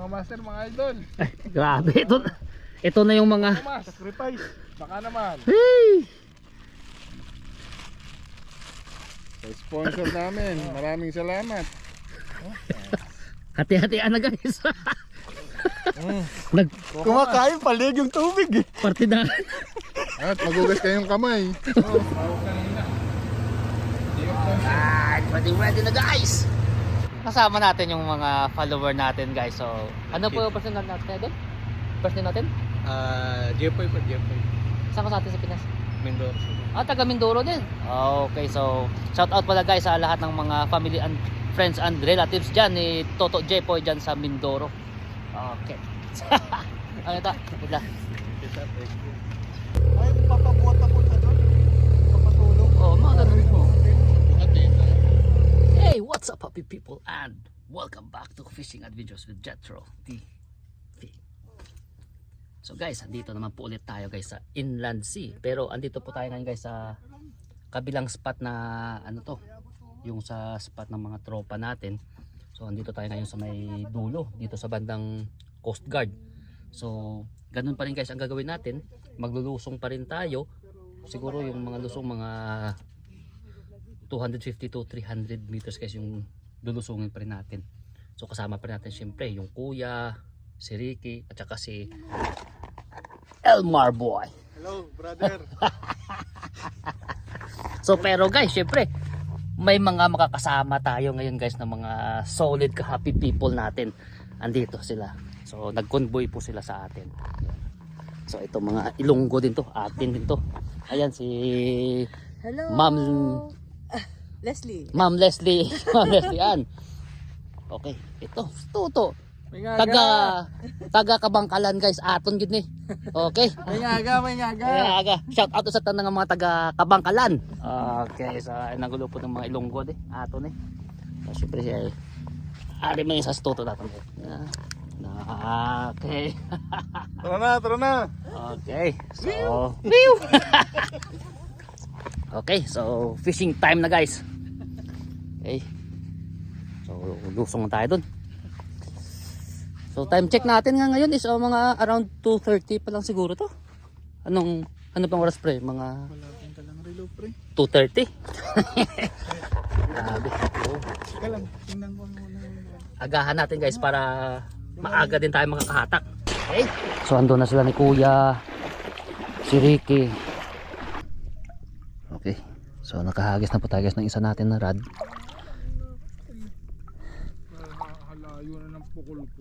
mga master, mga idol. Ay, grabe. Ito na yung mga... Sacrifice. Baka naman. Hey! Sa sponsor namin, maraming salamat. Hati-hatian na guys. Nag Kumakain palig yung tubig eh. partidahan. At magugas kayong kamay. Alright, ready na guys. Kasama natin yung mga follower natin guys. So, ano po yung personal natin? Personal natin? Jepoy pa, Jepoy. Saan ka sa atin sa Pinas? Mindoro. Taga Mindoro din. Okay, so shout out pala guys sa lahat ng mga family and friends and relatives dyan ni Toto Jepoy dyan sa Mindoro. Okay. Ano ito? Bigla. Ay, papabuhat ako na doon. Papatulog. Oh, mga ganun po. Hey, what's up happy people and welcome back to Fishing Adventures with Jetro TV. So guys, andito naman po ulit tayo guys sa Inland Sea. Pero andito po tayo ngayon guys sa kabilang spot na ano to, yung sa spot ng mga tropa natin. So andito tayo ngayon sa may dulo, dito sa bandang Coast Guard. So ganun pa rin guys ang gagawin natin. Maglulusong pa rin tayo. Siguro yung mga lusong mga 250 to 300 meters guys yung lulusungin pa rin natin. So kasama pa rin natin syempre yung kuya, si Ricky at saka si Elmar boy. Hello, brother. So pero guys, syempre may mga makakasama tayo ngayon guys na mga solid ka-happy people natin. Andito sila. So nag-convoy po sila sa atin. So ito mga Ilonggo din to, atin din to. Ayan si Hello. Ma'am Leslie. Ma'am Leslie. Ma'am Leslie Ann. Okay, ito Toto. Taga Kabangkalan guys, aton gid ni. Okay. May ngaga. Aga. Shout out sa tanang mga taga Kabangkalan. Okay, sa nagulo po ng mga Ilonggo de, aton eh. So syempre siya ari man sa Toto daton. Okay. Tara na. Okay. So, okay, so fishing time na guys. Okay. So lusong na tayo dun. So time check natin nga ngayon is mga around 2:30 pa lang siguro to. Ano pang oras pre? Mga Malapit ka lang relo pre. 2:30. Grabe. Teka lang, tingnan ko muna. Agahan natin guys para maaga din tayo makakahatak. Okay. So ando na sila ni Kuya, si Ricky. Okay. So nakahagis na po tayo guys ng isa natin na rod. Halayo na ng pukul ko.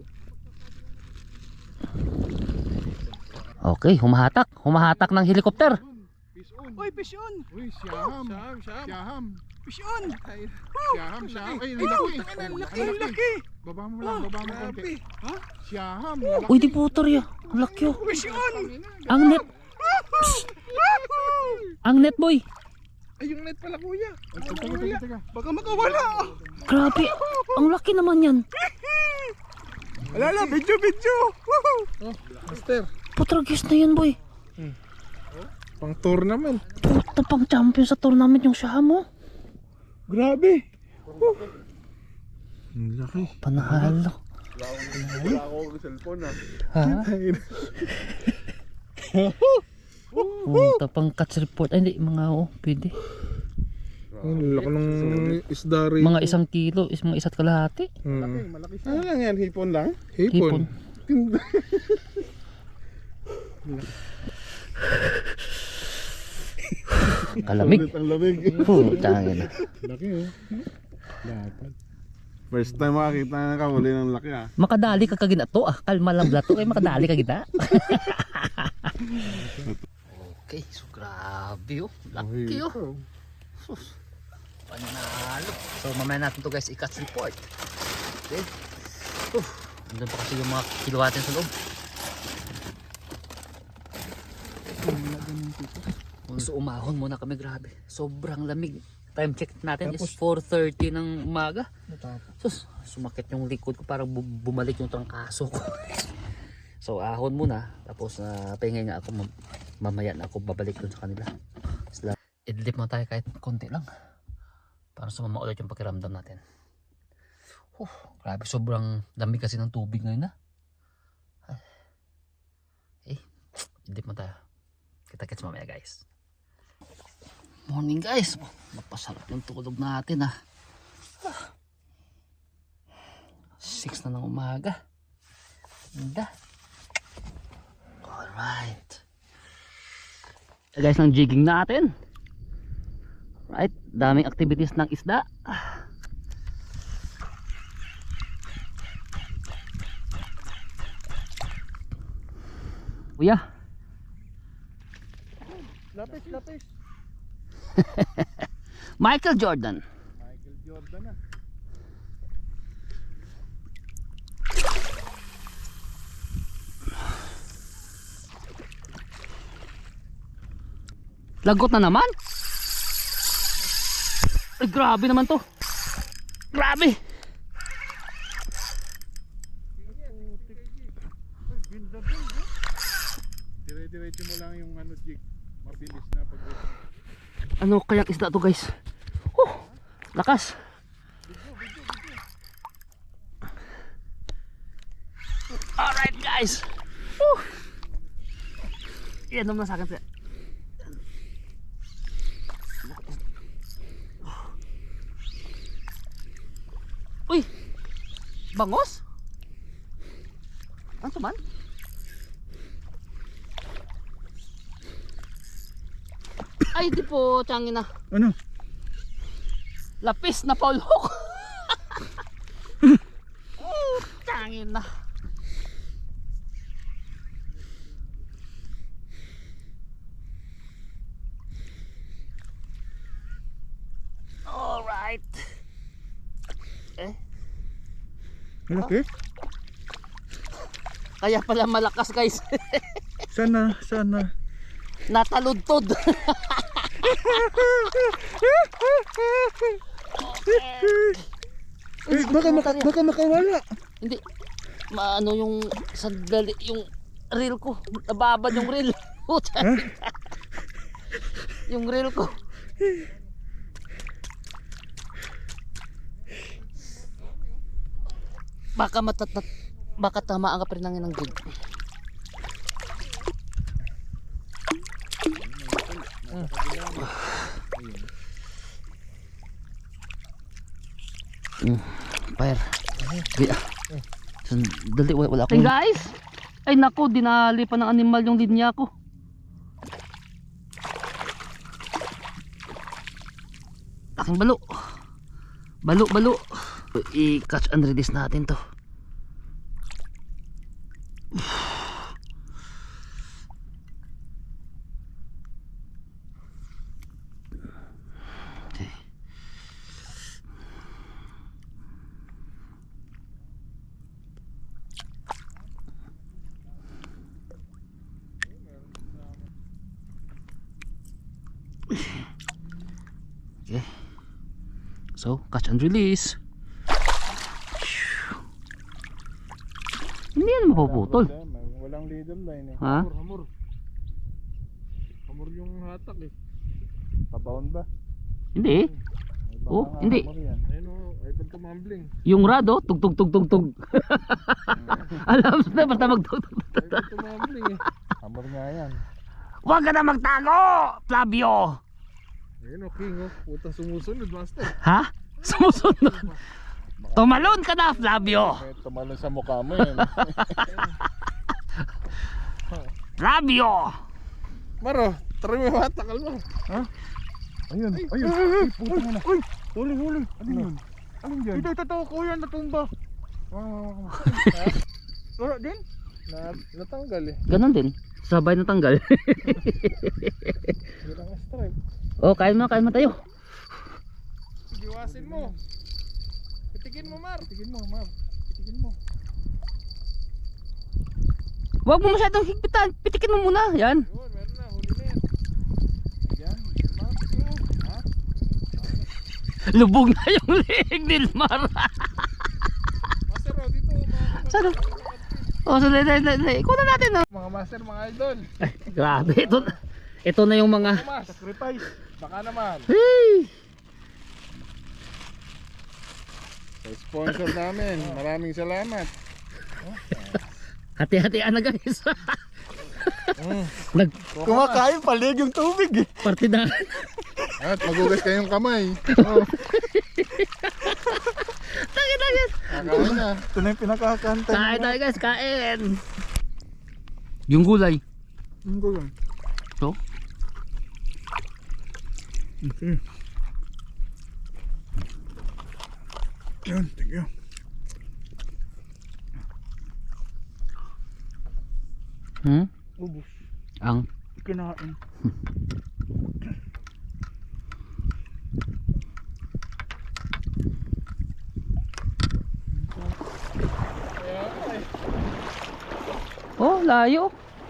Okay, humahatak ng helicopter. Fish on. Uy, fish on. Uy, siyaham. Fish on. Siyaham. Ay, Laki. Baba mo konti. Ha? Siyaham. Uy, di putor ya. Ang laki oh. Fish on. Ang net. Ang net boy. Ay, yung net pala kuya. Teka. Baka makawala. Grabe. Ang laki naman yan. Alala, video. Oh, master. Putragis na yan boy. Pang tournament. Puta pang champion sa tournament yung siya mo. Grabe. Ang laki. Panahalo. Wala ako ng cellphone ha. Puta pang catch report. Ay hindi, mga pwede. Ang laki ng isda rin. Mga 1 kilo, mga 1 kalahati. Malaki siya. Ano lang yan? Hipon lang? Hipon. Kalamig. Ang lamig. Puta na. Laki oh. Dapat. First time makakita na nakahuli ng laki ah. Makadali ka kagina to ah. Kalma lang blato eh, makadali ka kita. Okay, so grabe oh. Laki oh. Sus. Panalo. So mamaya natin to guys i-catch report. Okay. Andun pa kasi yung mga kilowatt sa loob. So umahon muna kami, grabe. Sobrang lamig. Time check natin is 4:30 ng umaga. Sus, sumakit yung likod ko, parang bumalik yung trangkaso ko. So ahon muna, tapos pahingay nga ako, mamaya na ako babalik dun sa kanila. Idlip mo tayo kahit konti lang para sumama ulit yung pakiramdam natin. Grabe, sobrang lamig kasi ng tubig ngayon na. Dip mo tayo. Kita-kits mamaya guys. Morning guys. Napasarap yung tulog natin 6 na ng umaga. Ganda. Alright. Guys, ng jigging natin. Right, daming activities ng isda. Kuya. Lapis. Michael Jordan. Michael Jordan na. Lagot na naman. Ay, grabe naman to. Grabe. Dire-diretso mo lang yung ano, jig. Mabilis na pag Ano kayang isda to guys? Lakas. Alright guys. Yan naman sa akin siya. Uy! Bangos? Ano to man? Ay di po, tiyangin na. Ano? Lapis na Paul Hook. Tiyangin na. Alright. Malaki? Kaya pala malakas guys. Sana. Nataludtod. Baka makawala. Hindi. Maano yung sandali, yung reel ko. Nababad yung reel. Yung reel ko. Baka tamaan ka pa rin ng jig. Fire. Dali, wala akong... Hey guys! Ay nako, dinali pa ng animal yung linya ko. Aking balo. Balo. I-catch and release natin to. Okay. Okay. So, catch and release. Hindi yan mapuputol. Walang leader line eh. Ha? Hamor. Hamor yung hatak eh. Pabaon ba? Hindi. Oh, hindi. Ayun o, ay pag tumambling. Yung rad oh, tug. Alam mo na, basta magtugtog. Ay pag tumambling eh. Hamor nga yan. Huwag ka na magtago, Flavio. Ayun o, king o. Puta sumusunod, master. Ha? Sumusunod. Tumalon ka na, Flavio. May tumalon sa mukha mo yan. Flavio. Maro, try mo yung hatakal mo. Ha? Ayun. Ay, puta mo na. Uy, huli. Ano yun? Anong dyan? Ito, kuya, natumba. Wala din? Natanggal eh. Ganon din. Sabay na tanggal. Hirang strike. Oh, kain mo tayo. Iwasin mo. Pitikin mo, Mar. Pitikin mo. Huwag mo masyadong higpitan. Pitikin mo muna. Yan. Yun, meron na. Huli na yan. Ayan, Mar. Ha? Lubog na yung leeg ni Mar. Master, oh, dito. Saan? Oh, so ikuha na natin. Oh. Mga master, mga idol. Ay, grabe. Ito na yung mga... Mas, sacrifice. Baka naman. Hey! Sa sponsor namin, maraming salamat. Hati-hatian na guys. Kumakain palig yung tubig eh. Nagpartidahan. At magugas kayong kamay. Oh. Tangin. Kakain na. Ito na yung pinakakanta. Kain tayo guys, kain. Yung gulay. Ang gulay. So? Okay. Yan, thank you. Ubus. Ang Kinain. oh, layo.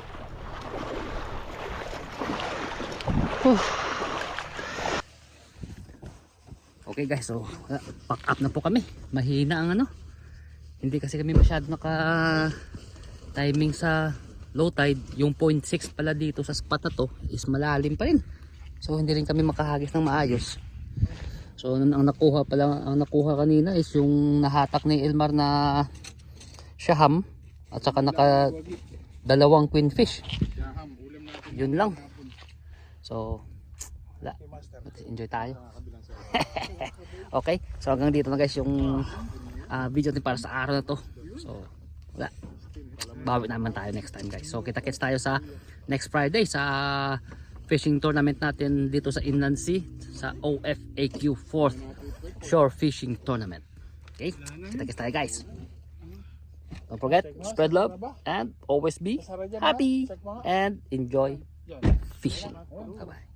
Okay guys, so pack up na po kami. Mahina ang ano. Hindi kasi kami masyado naka timing sa low tide. Yung 0.6 pala dito sa spot na to is malalim pa rin. So hindi rin kami makahagis ng maayos. So ang nakuha kanina is yung nahatak ni Elmar na shaham at saka naka dalawang queen fish. Yun lang. So wala. Enjoy tayo. Okay, so hanggang dito na guys yung video din para sa araw na to. So wala, bawi naman tayo next time guys. So kita-kits tayo sa next Friday sa fishing tournament natin dito sa Inland Sea sa OFAQ 4th Shore Fishing Tournament. Okay, kita-kits tayo guys. Don't forget, spread love and always be happy and enjoy fishing. Bye bye.